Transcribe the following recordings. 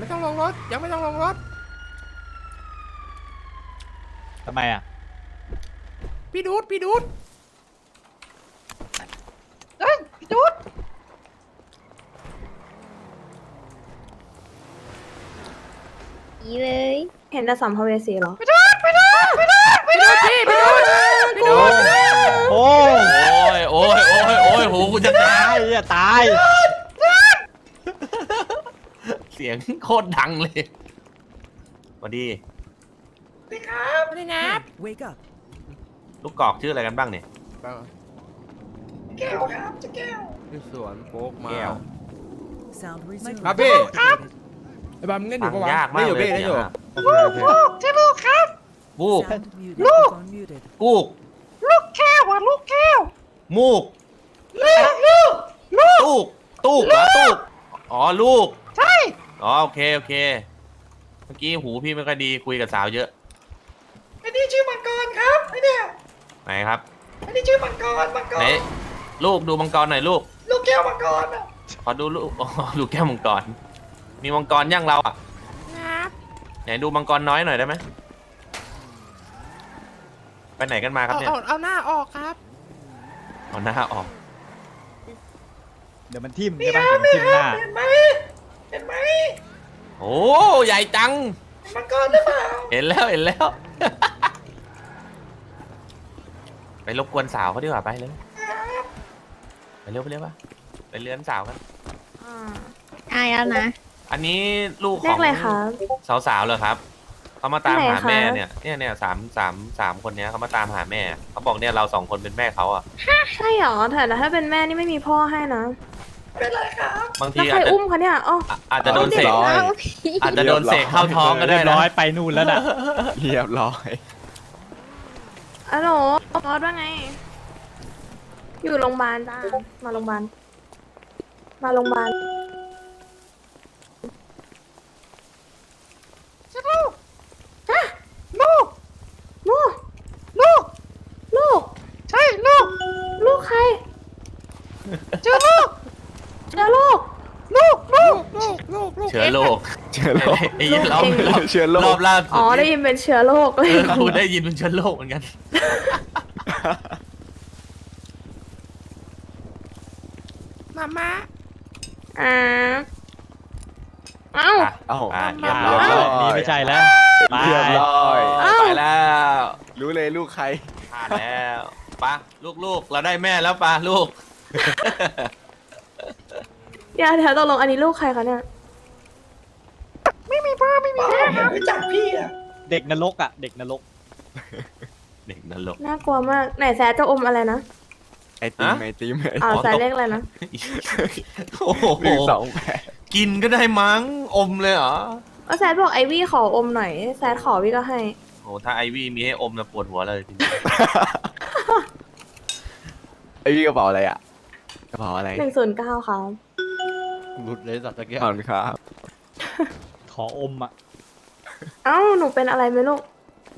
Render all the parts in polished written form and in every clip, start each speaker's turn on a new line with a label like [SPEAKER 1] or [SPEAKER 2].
[SPEAKER 1] ต้องลงรถยังไม่ต้องลงรถ
[SPEAKER 2] ทำไมอ่ะ
[SPEAKER 1] พี่ดูด
[SPEAKER 3] พี่ดูด
[SPEAKER 4] อีเลย
[SPEAKER 5] เห็นแต่สัมภเวสีเหรอ
[SPEAKER 1] พี่ดูดพี่ดูด
[SPEAKER 2] โอ้ย
[SPEAKER 6] โอ้ยหูกูจะตาย
[SPEAKER 2] จะตาย
[SPEAKER 6] เสียงโคตรดังเลยสวัสดี
[SPEAKER 1] ไม่ได้นับ
[SPEAKER 6] ลูกกอกชื่ออะไรกันบ้างเนี่ย
[SPEAKER 3] แก้วครับจะแก้ว
[SPEAKER 1] พี่สวนโป๊กมา
[SPEAKER 6] แก้ว
[SPEAKER 1] ครับพี่ไอ้บอมเล่นอยู่ปะวะ
[SPEAKER 6] ยากมาก
[SPEAKER 1] เล่นอยู่
[SPEAKER 6] เลย
[SPEAKER 1] พี่เล่นอยู่
[SPEAKER 3] ใช่ลูกครับ
[SPEAKER 6] บูก
[SPEAKER 3] ลูก
[SPEAKER 6] กูก
[SPEAKER 3] ลูกแก้วอ่ะลูกแก้ว
[SPEAKER 6] มูก
[SPEAKER 3] ลูก
[SPEAKER 6] ตูกเหรอตูกอ๋อลูก
[SPEAKER 3] ใช่
[SPEAKER 6] อ๋อโอเคเมื่อกี้หูพี่ไม่ค่อยดีคุยกับสาวเยอะ
[SPEAKER 3] ไอ้นี่ชื่อมังกรครับไอ้เนี่ย
[SPEAKER 6] ไหนครับ
[SPEAKER 3] ไอ้นี่ชื่อมังกร
[SPEAKER 6] ไหนลูกดูมังกรหน่อยลูก
[SPEAKER 3] ลูกแก้วมังกรอ่ะ
[SPEAKER 6] ขอดูลูกอ๋อดูแก้วมังกรมีมังกรย่างเราอ่ะ
[SPEAKER 1] นับ
[SPEAKER 6] ไหนดูมังกรน้อยหน่อยได้ไหมไปไหนกันมาครับเนี่ย
[SPEAKER 1] เอาหน้าออกครับ
[SPEAKER 6] เอาหน้าออก
[SPEAKER 2] เดี๋ยวมันทิ่มใช่ปะเดี๋ยวมันทิ่มหน้า
[SPEAKER 3] เห็นไหม
[SPEAKER 6] โอ้ใหญ่จัง
[SPEAKER 3] มังกรหรือเปล่า
[SPEAKER 6] เห็นแล้ว ไปรบกวนสาวเขาดีกว่าไปเลยไปเร็วป่ะไปเลื้อนสาวกัน
[SPEAKER 4] อายแล้วนะ
[SPEAKER 6] อันนี้ลูกข
[SPEAKER 5] เล
[SPEAKER 6] อ
[SPEAKER 5] ข
[SPEAKER 6] ง
[SPEAKER 5] อะไรคะ
[SPEAKER 6] สาวๆเลยครับเขามาตาม
[SPEAKER 5] ที่ไหน
[SPEAKER 6] หา
[SPEAKER 5] คะ
[SPEAKER 6] แม่เนี่ยสามคนเนี้ยเขามาตามหาแม่เขาบอกเนี่ยเราสองคนเป็นแม่เขาอ่ะ
[SPEAKER 5] ใช่เหรอแต่ถ้าเป็นแม่นี่ไม่มีพ่อให้นะ
[SPEAKER 3] เป็นไรครับ
[SPEAKER 6] บาง
[SPEAKER 5] แล้ว
[SPEAKER 6] ที
[SPEAKER 5] ใคร
[SPEAKER 6] อาจจะ
[SPEAKER 5] อุ้มคะเนี่ยอ๋อ
[SPEAKER 6] อาจจะโดนเสก
[SPEAKER 4] เอา
[SPEAKER 6] อาจจะโดนเสกเข้าท้องก็ได้
[SPEAKER 2] เรียบ
[SPEAKER 6] นะ
[SPEAKER 2] ร้อยไปนู่นแล้วน่ะ
[SPEAKER 7] เรียบร้อย
[SPEAKER 5] อะโหลบอสว่าไง อยู่โรงพยาบาลจ้ามาโรงพยาบาล
[SPEAKER 3] ลูก
[SPEAKER 5] ลูกลูก
[SPEAKER 3] ใช่ลูก
[SPEAKER 5] ลูกใคร
[SPEAKER 3] เจอลูก
[SPEAKER 5] เจอลูก
[SPEAKER 1] ลูก
[SPEAKER 6] เชื้อโรค
[SPEAKER 7] เชื้อโรค
[SPEAKER 6] ไอ้ยี่รอบ
[SPEAKER 7] เชื้อโรค
[SPEAKER 6] รอบล่าสุด
[SPEAKER 5] อ๋อได้ยินเป็นเชื้อโรคเลย
[SPEAKER 6] กูได้ยินเป็นเชื้อโรคเหมือนกัน
[SPEAKER 1] มาม่า
[SPEAKER 5] อ่าเอ้า
[SPEAKER 7] เอ้า
[SPEAKER 6] เรียบ
[SPEAKER 2] อ่า
[SPEAKER 6] ร้อย
[SPEAKER 2] นี่ไม่ใช่แล้วไป
[SPEAKER 7] เรียบร้อย
[SPEAKER 5] เอ้า
[SPEAKER 6] ไปแล้ว
[SPEAKER 7] รู้เลยลูกใคร
[SPEAKER 6] ผ่านแล้วปะลูกเราได้แม่แล้วปะลูก
[SPEAKER 5] เดี๋ยวตกลงอันนี้ลูกใครคะเนี่ย
[SPEAKER 3] ไม่มีพ่อไม่รู้จักพี่อ่ะ
[SPEAKER 2] เด็กนรกอ่ะ เด็กนรก
[SPEAKER 6] เด็กนรก
[SPEAKER 5] น่ากลัวมากไหนแซดจะอมอะไรนะ
[SPEAKER 7] ไอติม
[SPEAKER 6] ฮะ
[SPEAKER 7] ไอติม
[SPEAKER 5] อ๋อแซดเลขอะไรนะ
[SPEAKER 6] โอ้โห
[SPEAKER 7] 128
[SPEAKER 6] กินก็ได้มั้งอมเลยเหรอ
[SPEAKER 5] ก็แซดบอกไอวี่ขออมหน่อยแซดขอวี่ก็ให้
[SPEAKER 6] โอ้ถ้าไอวี่มีให้อมนะปวดหัวเลยจริง
[SPEAKER 7] ไอพี่กระเป๋าอะไรอ่ะกระเป๋าอะไร
[SPEAKER 5] 109ครับ
[SPEAKER 1] หลุดเลยสัตว์ตะเกียบ
[SPEAKER 7] ขอบคุณครับ
[SPEAKER 2] ขออมอ่ะ
[SPEAKER 5] เอ้าหนูเป็นอะไรไหมลูก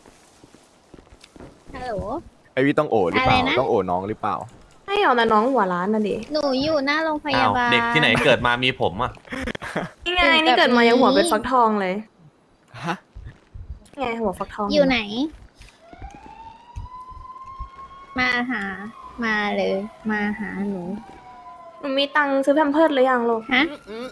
[SPEAKER 4] ฮัลโหล
[SPEAKER 7] ไอพี่ต้องโอหรือเปล่า
[SPEAKER 4] อะไรนะ
[SPEAKER 7] ต้องโอน้องหรือเปล่า
[SPEAKER 5] ให้เอาแต่น้องหัวร้านน่ะดิ
[SPEAKER 4] หนูอยู่หน้าโรงพ
[SPEAKER 6] อ้าย
[SPEAKER 4] าว บาล
[SPEAKER 6] เด็กที่ไหนเกิดมามีผมอ่ะ
[SPEAKER 5] นี่ไงนี่เกิดมายังหัวเป็นฟักทองเลย
[SPEAKER 7] ฮะ
[SPEAKER 5] ไงหัวฟักทอง
[SPEAKER 4] อยู่ไหน มาหา มาเลย มาหาหนู
[SPEAKER 5] หนูมีตังค์ซื้อแพมเพิร์ดหรือยังลูก
[SPEAKER 4] ฮะ
[SPEAKER 1] อืม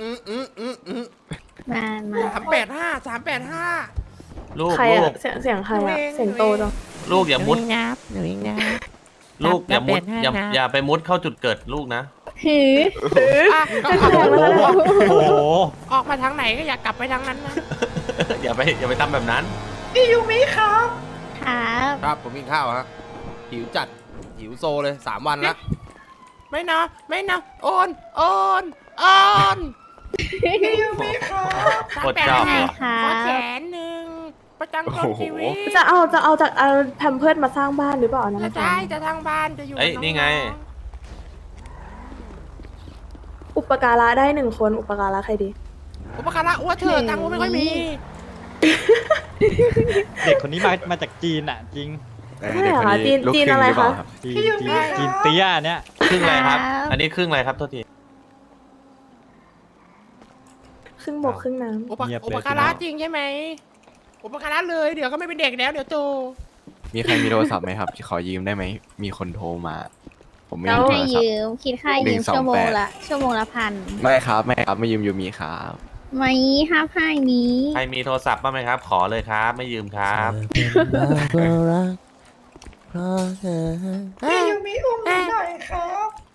[SPEAKER 4] มา มา
[SPEAKER 1] 385
[SPEAKER 6] ลูก
[SPEAKER 5] ใคร
[SPEAKER 6] ลู
[SPEAKER 5] อะ
[SPEAKER 6] ก
[SPEAKER 5] เสียงใครอะเสียงโตจัง
[SPEAKER 6] ลูกอย่ามุด
[SPEAKER 1] หนูเองนะ
[SPEAKER 6] ลูกอย่ามุด
[SPEAKER 1] 385
[SPEAKER 6] อย่าไปมุดเข้าจุดเกิดลูกนะ
[SPEAKER 4] หือ
[SPEAKER 1] อ่ะก็
[SPEAKER 5] แสดงว่า
[SPEAKER 2] โอ้โห
[SPEAKER 1] ออกมาทางไหนก็อยากกลับไปทางนั้นนะ
[SPEAKER 6] อย่าไปทำแบบนั้น
[SPEAKER 3] พี่ยูมิครับ
[SPEAKER 4] ครับ
[SPEAKER 1] ครับผมกินข้าวฮะหิวจัดหิวโซเลย3 วันแล้วไม่นะโอน
[SPEAKER 3] พี่ยูมิครับ
[SPEAKER 6] โคตรชอบ
[SPEAKER 4] ใช่
[SPEAKER 6] เหรอ
[SPEAKER 4] ครั
[SPEAKER 1] ขอแส
[SPEAKER 4] บ
[SPEAKER 1] นหนึ่งประจำตนชีวิต
[SPEAKER 5] จะเอาจากเอาแพมเพิร์ดมาสร้างบ้านหรือเปล่านะ
[SPEAKER 1] จะได้จะทางบ้านจะอยู่
[SPEAKER 6] เอ้ย
[SPEAKER 1] กับ
[SPEAKER 6] นี่ไง
[SPEAKER 5] อุปการะได้1 คนอุปการะใครดี
[SPEAKER 1] อุปการะอ้วนเถอะตังค์อ้วนไม่ค่อยมี
[SPEAKER 2] เด็กคนนี้มาจากจีนอ่ะ จริง
[SPEAKER 5] ไม่เหรอคะจีน
[SPEAKER 7] ลูก
[SPEAKER 5] จีน
[SPEAKER 7] ครึ่ง
[SPEAKER 5] อะไร
[SPEAKER 7] หรือเปล่า
[SPEAKER 5] คะ
[SPEAKER 2] จีนจีนเตี้ยเนี่ย
[SPEAKER 6] ครึ่งอะไรครับ
[SPEAKER 4] ครับ
[SPEAKER 6] อันนี้ครึ่งอะไรครับโทษที
[SPEAKER 5] ครึ่งบกครึ่งน้
[SPEAKER 1] อุปการะจริงใช่ไหมอุปการะเลยเดี๋ยวก็ไม่เป็นเด็กแล้วเดี๋ยวโต
[SPEAKER 7] มีใครมีโทรศัพท์ไหมครับ ขอยืมได้ไหม มีคนโทรมา ผมไม่มีโท
[SPEAKER 4] ให้
[SPEAKER 7] รศัพ
[SPEAKER 4] ยื
[SPEAKER 7] ท์
[SPEAKER 4] มคิดค่ายืม
[SPEAKER 7] 128
[SPEAKER 4] ชั่วโมงละ1,000
[SPEAKER 7] ไม่ครับ ไม่ครับ ไม่ยืมยูมีครับ
[SPEAKER 4] ไม่ห้าพายนี้
[SPEAKER 6] ใครมีโทรศัพท์บ้างไหมครับ ขอเลยครับ ไม่ยืมครับ
[SPEAKER 3] พี่ยูมิอุ้มหนูหน่อยครับ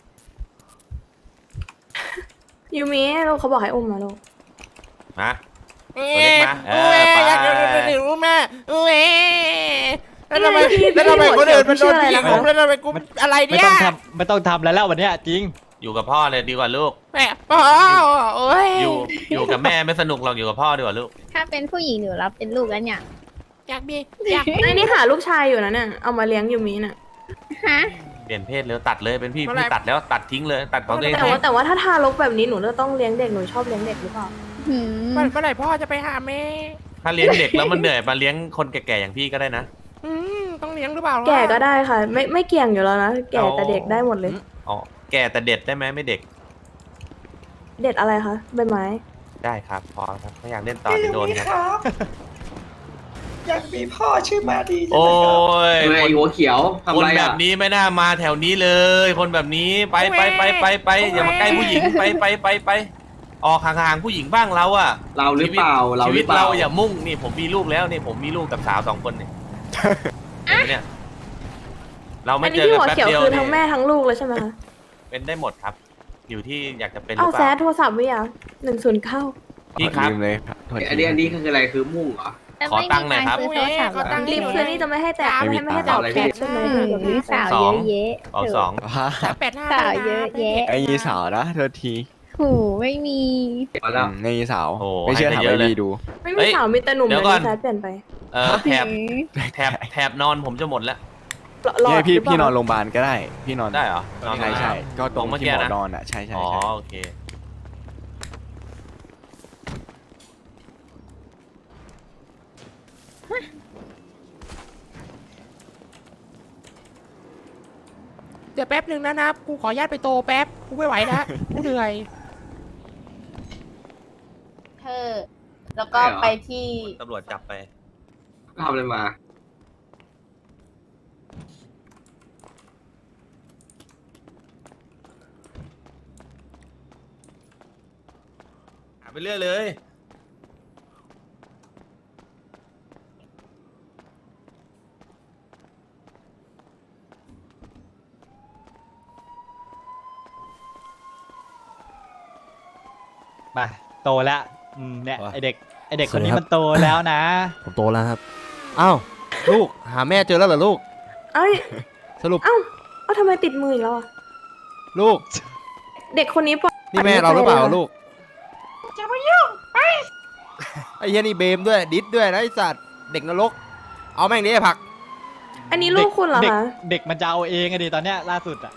[SPEAKER 5] ำยูมิลูกเขาบอกให้อุ้มนะลูก
[SPEAKER 6] มา
[SPEAKER 1] เอ๊
[SPEAKER 6] ตัวเล็กมา
[SPEAKER 1] ะ
[SPEAKER 6] ไป
[SPEAKER 1] อยากดูแม่เอ๊ะแล้วทำไม
[SPEAKER 5] พี่
[SPEAKER 1] แล้วทำไมคนอื่นมันโดน
[SPEAKER 5] พี่
[SPEAKER 1] พี่
[SPEAKER 5] ชื่ออะไรนะ
[SPEAKER 1] ผมแล้วทำไมกูอะไร
[SPEAKER 2] ไม่
[SPEAKER 1] เนี่ย
[SPEAKER 2] ต้องทำไม่ต้องทำแล้ววันเนี้ยจริง
[SPEAKER 6] อยู่กับพ่อเลยดีกว่าลูก
[SPEAKER 1] แม่พ่อโอ้ย
[SPEAKER 6] อยู่กับแม่ไม่สนุกหรอกอยู่กับพ่อดีกว่าลูก
[SPEAKER 4] ถ้าเป็นผู้หญิงหนูรับเป็นลูกแล้วเนี่ย
[SPEAKER 1] อยากมีอยาก
[SPEAKER 5] ไอ้นี่หาลูกชายอยู่นะเนี่ยเอามาเลี้ยงยูมิน่ะ
[SPEAKER 4] ฮะ
[SPEAKER 6] เปลี่ยนเพศเลยตัดเลยเป็นพี่ตัดแล้วตัดทิ้งเลยตัดของตัวเอง
[SPEAKER 5] แต่ว่าถ้าทารกแบบนี้หนูจะต้องเลี้ยงเด็กหนูชอบเลี้ยงเด็กหรือเปล่า
[SPEAKER 4] หืม
[SPEAKER 1] เมื่อไหร่พ่อจะไปหาแม่
[SPEAKER 6] ถ้าเลี้ยงเด็กแล้วมันเหนื่อยมาเลี้ยงคนแก่ๆอย่างพี่ก็ได้นะ
[SPEAKER 1] ต้องเลี้ยงหรือเปล่า
[SPEAKER 5] แก่ก็ได้ค่ะ ไม่เกี่ยงอยู่แล้วนะแก่แต่เด็กได้หมดเลย
[SPEAKER 6] อ๋อแก่แต่เด็ดได้ไหมไม่เด็ก
[SPEAKER 5] เด็ดอะไรคะใบไม้
[SPEAKER 6] ได้ครับพอครับไม่อยากเล่นต่อ
[SPEAKER 3] พี่
[SPEAKER 6] จะ
[SPEAKER 3] ยู
[SPEAKER 6] โดน
[SPEAKER 3] มิ
[SPEAKER 6] ครับ
[SPEAKER 3] ครับ อยากมีพ่อชื่อมาดีจัง
[SPEAKER 6] โอ้
[SPEAKER 3] เลยครับ
[SPEAKER 6] ย
[SPEAKER 8] ไอ้หัวเขียวทำ
[SPEAKER 6] คน
[SPEAKER 8] ไร
[SPEAKER 6] แบ
[SPEAKER 8] อ่ะ
[SPEAKER 6] บนี้ไม่น่ามาแถวนี้เลย คนแบบนี้ไปอย่ามาใกล้ผู้หญิงไปออกห่างๆผู้หญิงบ้างเราอะ
[SPEAKER 8] เราหรือเปล่าเรา
[SPEAKER 6] ชี
[SPEAKER 8] ห
[SPEAKER 6] วิ
[SPEAKER 8] รื
[SPEAKER 6] ต
[SPEAKER 8] อเปล่า
[SPEAKER 6] เราอย่ามุ่งนี่ผมมีลูกแล้วนี่ผมมีลูกกับสาว2 คนเนี่ยเห็นไหมเนี่ยเรา
[SPEAKER 5] อั
[SPEAKER 6] ไม่
[SPEAKER 5] น
[SPEAKER 6] เจ
[SPEAKER 5] นี้
[SPEAKER 6] อ
[SPEAKER 5] ที่
[SPEAKER 6] กัน
[SPEAKER 5] หัว
[SPEAKER 6] แป๊บ
[SPEAKER 5] เขียว
[SPEAKER 6] เดียว
[SPEAKER 5] คือ
[SPEAKER 6] เนี่
[SPEAKER 5] ทั้งแม่
[SPEAKER 6] ย
[SPEAKER 5] ทั้งลูกเลยใช่ไหมคะ
[SPEAKER 6] เป็นได้หมดครับ อยู่ที่อยากจะเป็นหรื
[SPEAKER 5] เอา
[SPEAKER 6] อเป
[SPEAKER 5] แซ
[SPEAKER 6] ล่า
[SPEAKER 5] ดโทรศัพท์ไว้อ่ะ109
[SPEAKER 6] พี่ครับ
[SPEAKER 7] ยืมเลยครับโทษที
[SPEAKER 8] อันนี้คืออะไรคือมุ่งเหรอ
[SPEAKER 4] แต่
[SPEAKER 6] ขอ
[SPEAKER 4] ไม่
[SPEAKER 6] ตั
[SPEAKER 4] มี
[SPEAKER 6] งค์หน่อยครับ
[SPEAKER 4] ตังค์ซื้อโทรศัพท์เหรอ
[SPEAKER 5] รีบคืนนี่จะไม่ให้แตะไม่ให้แตะแคปใช่ไหม
[SPEAKER 4] มีสาวเยอะแยะ
[SPEAKER 6] ออก
[SPEAKER 7] ว่า
[SPEAKER 1] 385
[SPEAKER 4] สาวเยอะแยะ
[SPEAKER 7] ไอ้ยีสาวนะโทษที
[SPEAKER 4] หูไม่มี
[SPEAKER 8] มาแล้ว
[SPEAKER 7] ไอ้ยีสาว
[SPEAKER 6] โอ้
[SPEAKER 7] ไม่เชื่อ
[SPEAKER 6] ให้
[SPEAKER 7] ถาม
[SPEAKER 6] ไปเยอะ
[SPEAKER 7] ไอ้
[SPEAKER 6] เลย
[SPEAKER 7] บีดู
[SPEAKER 5] ไม่มีสาวมีแต่หนุ่ม
[SPEAKER 6] เดี๋
[SPEAKER 5] เลย
[SPEAKER 6] วยก่อน
[SPEAKER 5] แซดเปลี่ยนไป
[SPEAKER 6] แถบนอนผมจะหมดแล้ว
[SPEAKER 5] หลอ
[SPEAKER 7] เนี่ย
[SPEAKER 5] ด
[SPEAKER 7] พี่
[SPEAKER 5] หรืเปล่า
[SPEAKER 7] พี่นอนโรงพยาบาลก็ได้ พี่นอน
[SPEAKER 6] ได้เหรอ
[SPEAKER 7] ใช่ใช่ก็ตรง
[SPEAKER 6] เมื่อ
[SPEAKER 7] ที่
[SPEAKER 6] กี้
[SPEAKER 7] หมอ
[SPEAKER 6] นะ
[SPEAKER 7] นอนอ่ะใช่ใช่
[SPEAKER 6] อ๋อ
[SPEAKER 7] ใช่
[SPEAKER 6] โอเค
[SPEAKER 1] เดี๋ยวแป๊บนึงนะกูขออนุญาตไปโตแป๊บกูไม่ไหวแล้วกูเหนื่อย
[SPEAKER 9] เธอ แล้วก็ไปที่
[SPEAKER 6] ตำรวจจับไป
[SPEAKER 8] ทำอะไรมา
[SPEAKER 6] หาไปเรื่อยเลย
[SPEAKER 2] มาโตแล้วเนี่ย
[SPEAKER 1] วะ
[SPEAKER 2] ไอเด็กคนนี้
[SPEAKER 1] สวัสดีครับ
[SPEAKER 2] มันโตแล้วนะ
[SPEAKER 1] ผมโตแล้วครับอ้าวลูกหาแม่เจอแล้วเหรอลูก
[SPEAKER 5] เอ้ย
[SPEAKER 1] สรุป
[SPEAKER 5] เอ้าทำไมติดมืออีกแล้วอ่ะ
[SPEAKER 1] ลูก
[SPEAKER 5] เด็กคนนี้ปล่อย
[SPEAKER 1] นี่แม่เราหรือเปล่าลูก
[SPEAKER 3] จะมายุ่งไป
[SPEAKER 1] ไอ้เหี้ยนี่เบมด้วยดิสด้วยนะไอ้สัตว์เด็กนรกเอาแม่งดิไอ้ผัก
[SPEAKER 5] อันนี้ลูกคุณเหรอ
[SPEAKER 2] เด็ก
[SPEAKER 5] คะ
[SPEAKER 2] เด็กมันจะเอาเองอะดิตอนเนี้ยล่าสุดอะ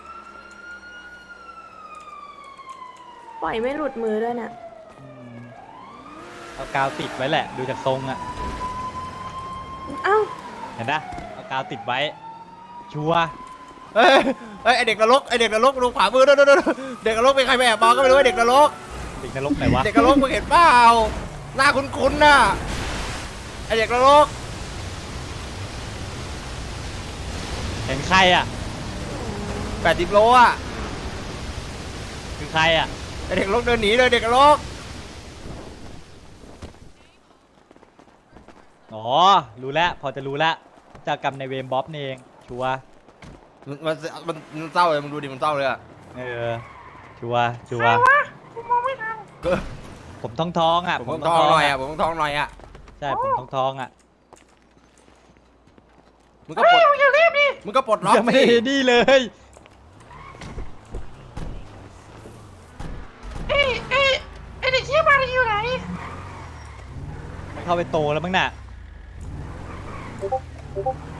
[SPEAKER 5] ปล่อยไม่หลุดมือด้วยเนี่ย
[SPEAKER 2] อืมเอากาวติดไว้แหละ ดูจากทรงอะ
[SPEAKER 5] เอ้า
[SPEAKER 2] เห็นนะเอากาวติดไว้ ชัวร์
[SPEAKER 1] เฮ้ยไอเด็กนรกไอเด็กนรกดูขวามือดูเด็กนรกเป็นใครไปแอบมองก็ไม่รู้ว่าเด็กนรก
[SPEAKER 2] เด็กนรกไหนวะ
[SPEAKER 1] เด็กนรกมึงเห็นเปล่าหน้าคุ้นๆน่ะไอเด็กนรก
[SPEAKER 2] เห็นใครอะ
[SPEAKER 1] 80 โลอ่ะ
[SPEAKER 2] คือใครอะ
[SPEAKER 1] ไอเด็กนรกเดินหนีเลยเด็กนรก
[SPEAKER 2] อ๋อรู้แล้วพอจะรู้แล้วเจ้ากรรมในายเวรบ๊อบนี่เองชัวร์
[SPEAKER 1] มันเศร้าเลยมึงดูดิมันเศร้าเลยอ่ะ
[SPEAKER 2] เออชัวร์ชัวร์ผมท้องๆอะ
[SPEAKER 1] ผมต้องท้องหน่อยอ่ะผมต้องท้องหน่อยอ่ะ
[SPEAKER 2] ใช่ผมท้องๆอะ
[SPEAKER 1] มึงก็ปลดมึงก็ปลดล็อก
[SPEAKER 2] ยังไม่ได้
[SPEAKER 1] สิ
[SPEAKER 2] นี่เลย
[SPEAKER 3] ไอ้เด็กเชี่ยมาดีอยู่ไหน
[SPEAKER 2] เข้าไปโตแล้วมั้งน่ะ